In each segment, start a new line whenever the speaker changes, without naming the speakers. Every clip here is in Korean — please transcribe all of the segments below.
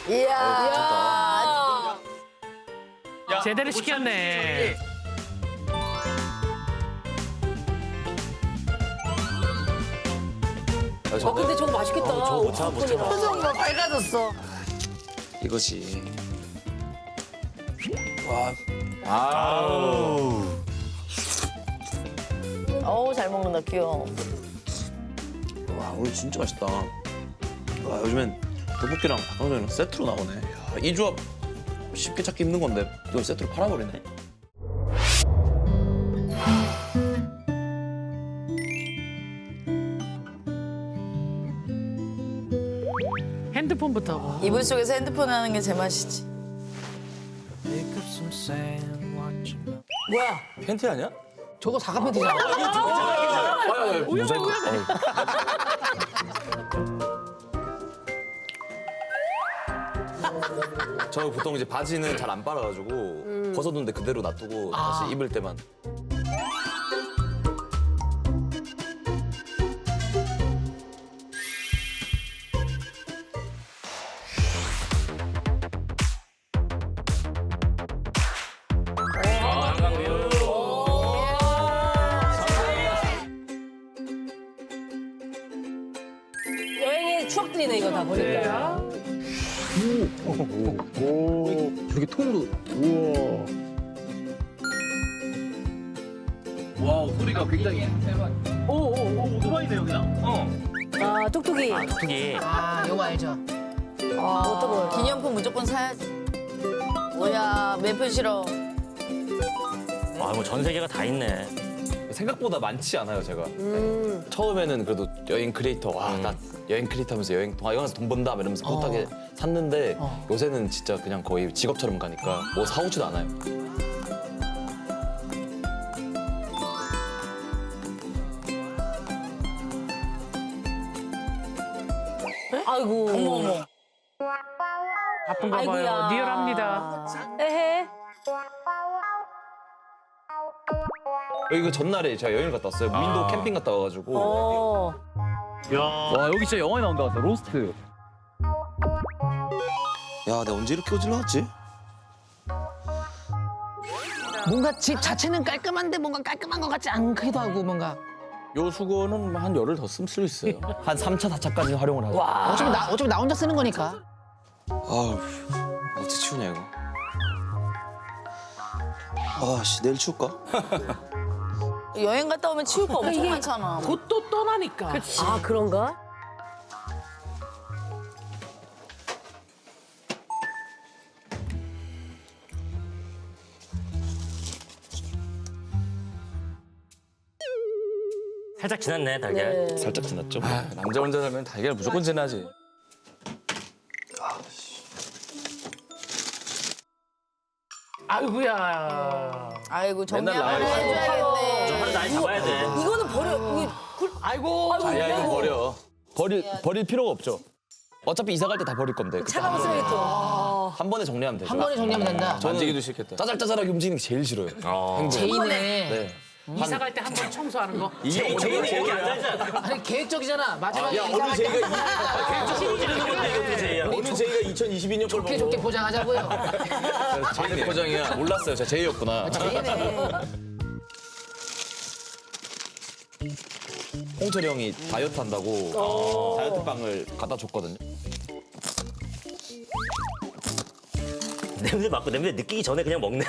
이야.
제대로 시켰네.
근데 저거 맛있겠다.
저거 못 참아, 못 참아.
표정이 밝아졌어.
이거지.
어우, 잘 먹는다, 귀여워.
와, 오늘 진짜 맛있다. 와, 요즘엔 떡볶이랑 닭강정이랑 세트로 나오네. 야, 이 조합 쉽게 찾기 힘든 건데 이걸 세트로 팔아버리네.
핸드폰부터.
이불 속에서 핸드폰 하는 게 제맛이지. 뭐야?
팬티 아니야?
저거 사과 팬티잖아.
모자이크. 저 보통 이제 바지는 잘 안 빨아가지고 벗어둔데 그대로 놔두고 다시 입을 때만.
여행의 추억들이네, 이거 다 보니까.
저렇게 통으로. 우와. 와, 소리가 굉장히. 오토바이네요, 그냥?
아, 뚝뚝이.
크기.
아, 요거 알죠?
어떤 거? 기념품 무조건 사야지. 뭐야, 매표 싫어.
아, 뭐 전 세계가 다 있네.
생각보다 많지 않아요, 제가. 처음에는 그래도 여행 크리에이터, 와, 나 여행 크리에이터 하면서 여행 동화영화에서 돈 번다 이러면서 뿌듯하게 샀는데 요새는 진짜 그냥 거의 직업처럼 가니까 뭐 사오지도 않아요.
아이고. 어머, 어머.
바쁜가 봐요.
아이고야.
리얼합니다.
에헤.
여기 그 전날에 제가 여행을 갔다 왔어요. 무인도 캠핑 갔다 와가지고.
어.
와, 여기 진짜 영화에 나온다 같다. 로스트.
야, 내가 언제 이렇게 어질러왔지?
뭔가 집 자체는 깔끔한데 뭔가 깔끔한 것 같지 않기도 하고 뭔가.
요 수건은 한 열흘 더 쓸 수 있어요.
한 3차, 4차까지 활용을 하고.
어차피 나 혼자 쓰는 거니까.
아우, 어떻게 치우냐, 이거. 아, 씨, 내일 치울까?
여행 갔다 오면 치울 거 엄청 많잖아.
곧 또 떠나니까.
아, 그런가?
살짝 지났네, 달걀.
네.
살짝 지났죠?
아, 남자 혼자 살면 달걀 무조건 지나지.
아이고야.
아이고, 정리
맨날
한번
나와요.
해줘야겠네.
하루 나이 잡아야 돼.
이거는 버려. 이게
아이고.
아야, 이거 버려. 버릴 필요가 없죠. 어차피 이사 갈 때 다 버릴 건데. 그때
차가운 쓰레기 또.
한 번에 정리하면 되죠.
한 번에 정리하면 된다.
만지기도 싫겠다.
짜잘짜잘하게 움직이는 게 제일 싫어요.
제이네.
네.
이사 갈 때 한 번 청소하는 거.
제이는
얘기 안 하잖아.
아니 계획적이잖아. 마지막에
야,
이사
어느
갈
제이가
때
제이야.
어느 제이가 2022년 걸
좋게 좋게 포장하자고요.
제이 포장이야.
몰랐어요. 제가 제이였구나.
제이네.
홍철이 형이 다이어트 한다고 다이어트 빵을 갖다 줬거든요.
냄새 맡고 냄새 느끼기 전에 그냥 먹네요.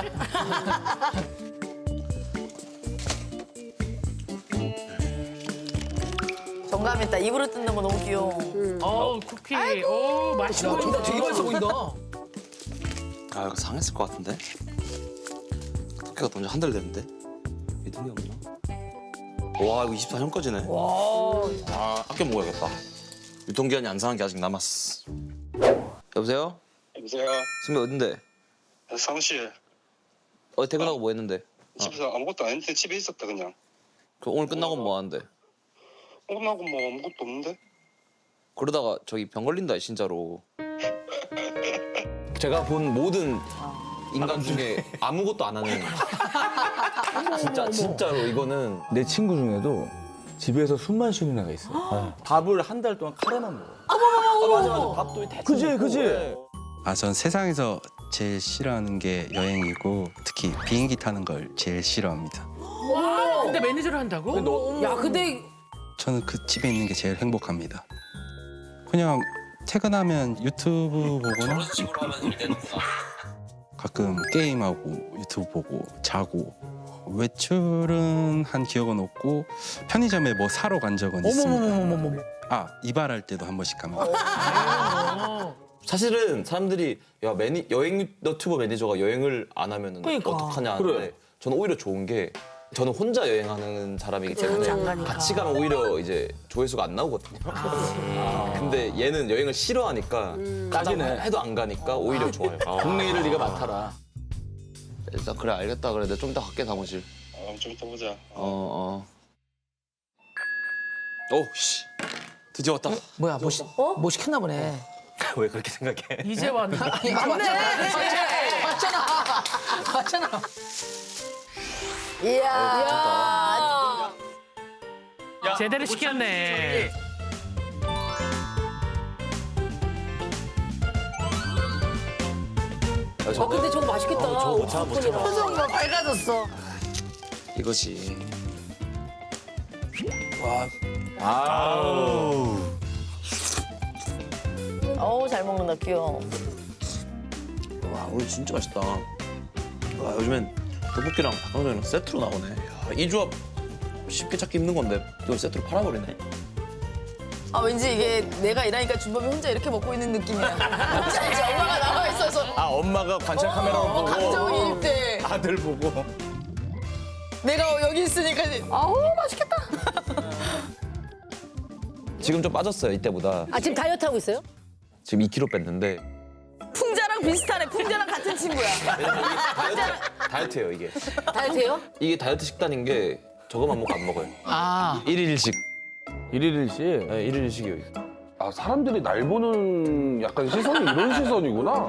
정감 있다. 입으로 뜯는 거 너무 귀여워.
쿠키. 오, 맛있어.
되게 맛있어 보인다.
아, 이거 상했을 것 같은데? 토끼가 먼저 한 달 됐는데? 믿음이 없나? 와, 이거 24년까지네. 아, 아껴 먹어야겠다. 유통기한이 안 상한 게 아직 남았어. 여보세요?
여보세요.
선배 어딘데?
사무실.
어제 퇴근하고 뭐 했는데?
집에서 아무것도 안 했는데 집에 있었다 그냥.
그 오늘 끝나고 뭐 하는데?
끝나고 뭐 아무것도 없는데?
그러다가 저기 병 걸린다, 진짜로. 제가 본 모든 인간 중에 아무것도 안 하는. 진짜로 이거는.
내 친구 중에도 집에서 숨만 쉬는 애가 있어. 밥을 한 달 동안 카레만 먹어. 맞아. 밥도 대충. 그지.
아, 전 세상에서 제일 싫어하는 게 여행이고 특히 비행기 타는 걸 제일 싫어합니다.
근데 매니저를 한다고?
야 근데
저는 그 집에 있는 게 제일 행복합니다. 그냥 퇴근하면 유튜브 보거나 가끔 게임하고 유튜브 보고 자고 외출은 한 기억은 없고 편의점에 뭐 사러 간 적은 있습니다. 아, 이발할 때도 한 번씩 갑니다.
사실은 사람들이 야 여행 너튜버 매니저가 여행을 안 하면은 어떡하냐 하는데
그래.
저는 오히려 좋은 게 저는 혼자 여행하는 사람이기 때문에 같이 가면 오히려 이제 조회수가 안 나오거든요. 근데 얘는 여행을 싫어하니까 가자고 해도 안 가니까 오히려 좋아요.
국내 일을 네가 맡아라.
일단 그래 알겠다 그래. 내가 좀 이따 갈게 사무실.
좀 이따 보자.
씨. 드디어 왔다.
뭐야 뭐 시켰나 보네.
왜 그렇게 생각해?
이제 왔나? 맞잖아.
이야.
제대로 시켰네.
근데 저거 맛있겠다. 표정 봐 밝아졌어.
이거지.
어우 잘 먹는다 귀여워.
와 오늘 진짜 맛있다. 와 요즘엔 떡볶이랑 닭강정이랑 세트로 나오네. 야, 이 조합 쉽게 찾기 힘든 건데 이걸 세트로 팔아버리네.
아 왠지 이게 내가 일하니까 준범이 혼자 이렇게 먹고 있는 느낌이야. 혼자 이제 엄마가 나와 있어서
아 엄마가 관찰 카메라로 보고
감정이입 돼.
아들 보고
내가 여기 있으니까 아우 맛있겠다.
지금 좀 빠졌어요 이때보다.
아 지금 다이어트 하고 있어요?
지금 2kg 뺐는데
풍자랑 비슷하네. 풍자랑 같은 친구야.
다이어트예요 이게.
다이어트예요?
이게 다이어트 식단인 게 저거만 먹고 안 먹어요.
아
1일 1식.
1일 1식?
네, 1일 1식이요.
아, 사람들이 날 보는 약간 시선이 이런 시선이구나.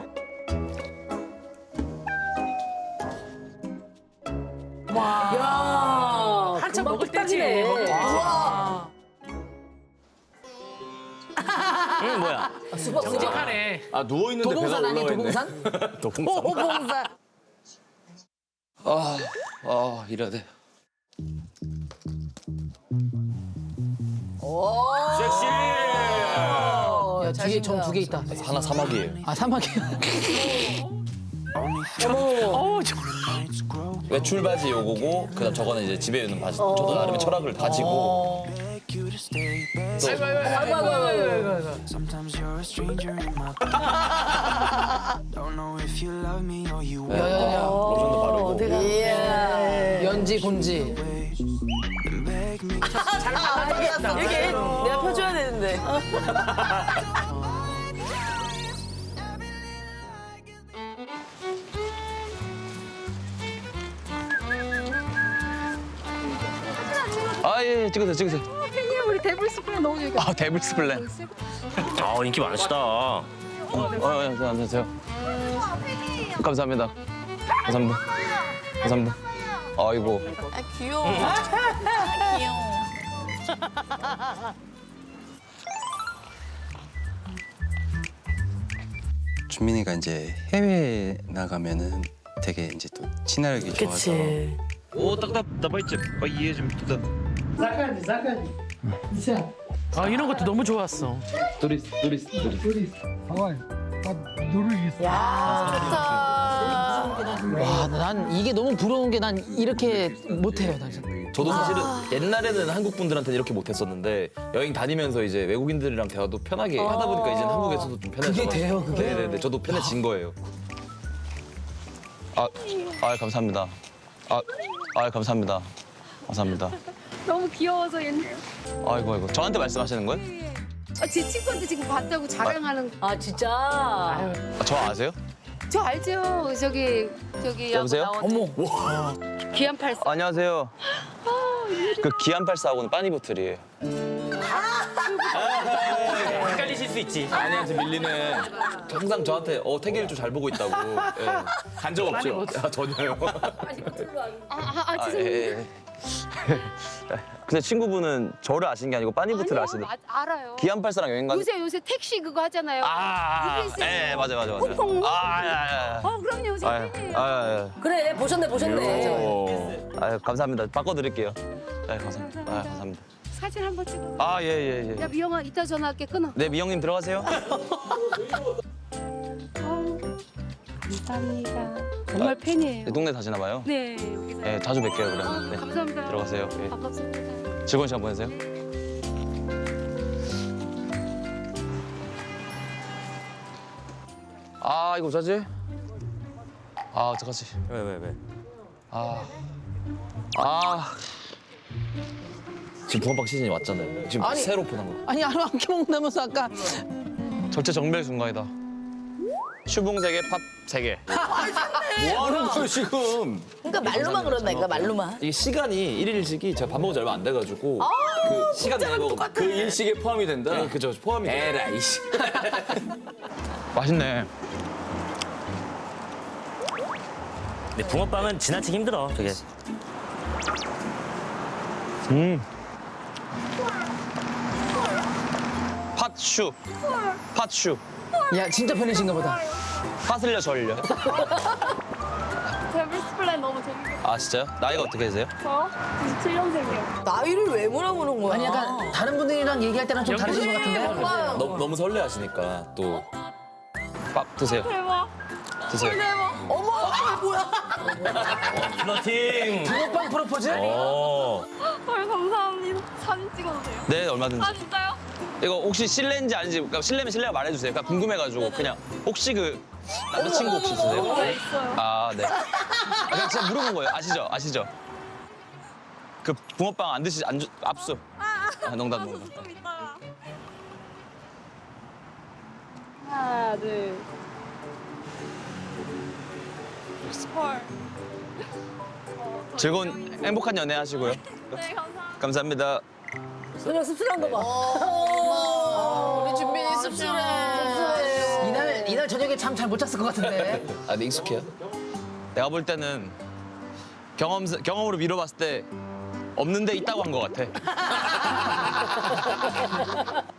야
한참 먹을 때지.
우와.
뭐야?
정직하네.
아 누워 있는데 배가
도봉산 아니야
올라와 있네.
도봉산? 도봉산.
이래야 돼.
섹시.
야 뒤에 점 2개 있다.
하나 사막이에요.
아 사막이야.
외출 바지 요거고 그다음 저거는 이제 집에 입는 바지. 저도 나름의 철학을 가지고.
Sometimes you're a stranger in my Don't know if you love me or you
야야야.
로션도 바르고.
연지 본지.
beg me.
이렇게 내가 펴줘야 되는데.
예, 찍으세요.
팬이야 우리 데블스 플랜 너무 좋아.
아, 데블스 플랜.
아 인기 많으시다.
안녕하세요. 감사합니다. 감사합니다. 아이고.
아 귀여워. 아 귀여워.
준민이가 이제 해외 나가면은 되게 이제 또 친화력이 좋아서
아 이런 것도 너무 좋았어.
야 좋다.
와 난 이게 너무 부러운 게 난 이렇게 못해요 나 진짜.
저도 사실은 옛날에는 한국 분들한테는 이렇게 못했었는데 여행 다니면서 이제 외국인들이랑 대화도 편하게 하다 보니까 이제는 한국에서도 좀 편해져.
그게 돼요, 그게?
네네네. 저도 편해진 거예요. 감사합니다. 감사합니다. 감사합니다.
너무 귀여워서 옛날.
아이고. 저한테 말씀하시는 거예요?
제 친구한테 지금 봤다고 자랑하는.
아 진짜.
저 아세요?
저 알죠? 저기
여보세요?
어머.
기안84.
안녕하세요. 그 기안84하고는 빠니보틀이에요.
헷갈리실 수 있지.
아니한테 밀리네. 항상 저한테 태기를 좀 잘 보고 있다고. 간 적 없죠? 전혀요.
죄송해요.
예. 근데 친구분은 저를 아시는 게 아니고 빠니부트를 아시는.
알아요.
기안84랑 여행 가.
요새 택시 그거 하잖아요.
예, 맞아.
콩콩.
아.
그럼요. 요새 팬이에요.
그래 보셨네.
감사합니다. 바꿔드릴게요. 감사합니다. 감사합니다.
사진 한번 찍어.
예.
야 미영아 이따 전화할게 끊어.
네, 미영님 들어가세요.
감사합니다. 정말 팬이에요.
네, 동네 사시나 봐요.
네. 여기서.
네, 자주 뵐게요 그러면. 네.
감사합니다.
들어가세요. 예.
반갑습니다.
즐거운 시간 보내세요. 이거 어쩌지? 어떡하지?
왜?
지금 붕어빵 시즌이 왔잖아요. 지금
아니.
새로 오픈한 거.
아니 하루 한 끼 먹는다면서 아까
절체정멸 순간이다. 슈붕 3개, 팝 3개.
뭐 하는 거예요 지금?
그러니까 말로만 그런다니까 말로만.
이게 시간이 일일식이 제가 밥 먹은 지 얼마 안 돼가지고 그 시간 내고
그 일식에 포함이 된다?
네, 그죠 포함이 돼요.
에라이 씨.
맛있네.
근데 붕어빵은 지나치기 힘들어. 저게.
팥슈.
야 진짜 팬이신가 보다.
팥을려 절려.
제가 미스플랜 너무 재밌게
진짜요? 나이가 어떻게 되세요?
저 97년생이요.
나이를 왜 물어보는 거야?
아니 약간 다른 분들이랑 얘기할 때랑 좀 다르신 것 같은데.
너무 설레하시니까 또 밥 드세요.
대박.
드세요.
대박.
어머 뭐야?
플러팅.
붕어빵 프로포즈?
헐 감사합니다. 사진 찍어도 돼요?
네, 얼마든지.
진짜요?
이거 혹시 실례인지 아닌지, 그러니까 실례면 실례가 말해주세요. 그러니까 궁금해가지고 그냥 혹시 그 남자친구 혹시 있으세요?
네 있어요.
네. 그냥 진짜 물어본 거예요. 아시죠? 그 붕어빵 안 드시지 압수. 농담.
좀 이따가. 하나 둘. 헐.
즐거운 행복한 연애 하시고요.
네 감사합니다.
감사합니다.
그냥 씁쓸한 거 봐. 우리 준빈이 씁쓸해.
이날 저녁에 참 잘 못 잤을 것 같은데.
근데 익숙해요? 내가 볼 때는 경험으로 미뤄봤을 때 없는데 있다고 한 것 같아.